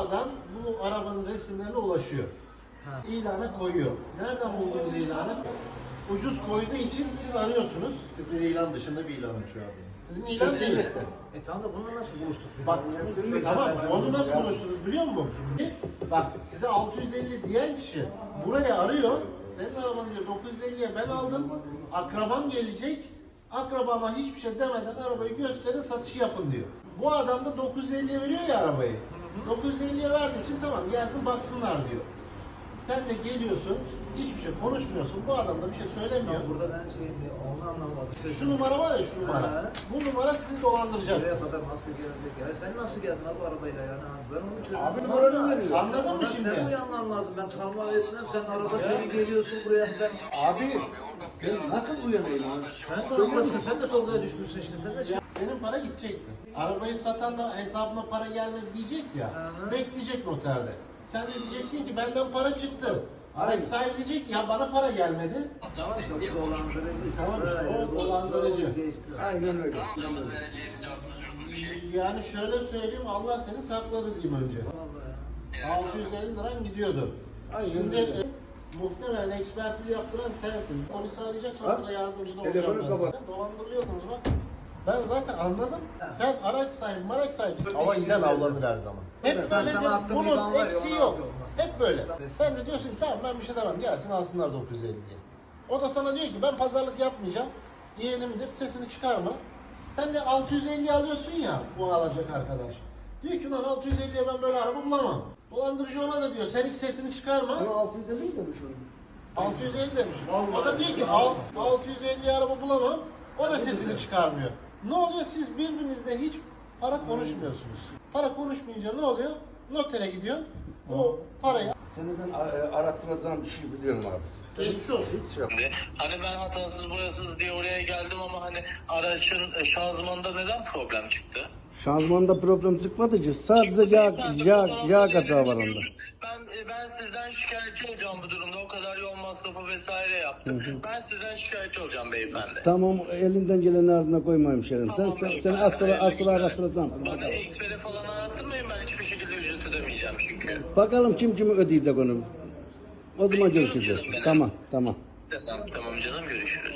adam bu arabanın resimlerine ulaşıyor. İlana koyuyor. Nereden buldunuz ilanı? Ucuz koyduğu için siz arıyorsunuz. Sizin ilan dışında bir ilanım şu an. Sizin ilan değil. Tamam da bununla nasıl buluştuk biz? Bak, tamam, onu nasıl buluştunuz biliyor musun? Şimdi, bak, size 650 diyen kişi buraya arıyor. Senin arabanı diyor 950'ye ben aldım. Akrabam gelecek. Akrabama hiçbir şey demeden arabayı gösterin, satışı yapın diyor. Bu adam da 950'ye veriyor ya arabayı. 950'ye verdiği için tamam gelsin baksınlar diyor. Sen de geliyorsun, hiçbir şey konuşmuyorsun. Bu adam da bir şey söylemiyor. Burada ben onu anlamadım. Şu numara var ya, şu numara. Bu numara sizi dolandıracak. Buraya kadar nasıl geldik ya? Sen nasıl geldin abi arabayla yani? Ben onu çözdüm. Abi numaranı veriyor. Anladın mı şimdi? Sen uyanman lazım. Ben tanıma vermem. Sen araba seni geliyorsun buraya. Ben... Abi ben nasıl uyanayım abi? Sen de olmasın. Sen de Tolga'ya düşmüşsün şimdi. Sen de Senin para gidecekti. Arabayı satan da hesabıma para gelmedi diyecek ya. Bekleyecek noterde. Sen de diyeceksin ki benden para çıktı. Araç sahibi diyecek ya bana para gelmedi. Tamam işte bu dolandırıcı. Tamam işte o dolandırıcı. Aynen öyle. Yani şöyle söyleyeyim, Allah seni sakladı diyeyim önce. 650 liran gidiyordu. Şimdi muhtemelen ekspertiz yaptıran sensin. Polisi arayacaksan orada yardımcı da olacağım Telefonu ben sana. kapat. Dolandırılıyordunuz bak. Ben zaten anladım. Sen araç sahibi, maraç sahibi. Ama giden avlanır her zaman. Hep Sen böyledir. sana attığın ilan Bunun var ya, eksiği onu yok. atıyorsun. Hep böyle. Sen de diyorsun ki tamam ben bir şey demem. Gelsin alsınlar 950 diye. O da sana diyor ki ben pazarlık yapmayacağım. Yeğenimdir, sesini çıkarma. Sen de 650 alıyorsun ya bu alacak arkadaş. Diyor ki lan 650'ye ben böyle araba bulamam. Dolandırıcı ona da diyor sen hiç sesini çıkarma. Sana 650 mi demiş onu? 650 demiş. O da diyor ki 650 araba bulamam. O da sesini çıkarmıyor. Ne oluyor? Siz birbirinizle hiç para konuşmuyorsunuz. Para konuşmayınca ne oluyor? Notere gidiyorsun. O parayı Seneden arattıracağım bir şey biliyorum abi. geçmiş olsun. Hiç şey yok. Hani ben hatasız boyasız diye oraya geldim ama hani aracın şanzımanında neden problem çıktı? Şanzımanda problem çıkmadı ki. Sadece yağ kaçağı var onda. Ben sizden şikayetçi olacağım bu durumda. O kadar yol masrafı vesaire yaptım. Ben sizden şikayetçi olacağım beyefendi. Tamam elinden geleni ardına koymayayım şerim. Tamam, Seni asla arattıracağım. Bana ekspere falan arattırmayın, ben hiçbir şekilde ücret ödemeyeceğim çünkü. Bakalım kim kimi ödeyecek onu. O zaman görüşeceğiz. Tamam. Tamam canım, görüşürüz.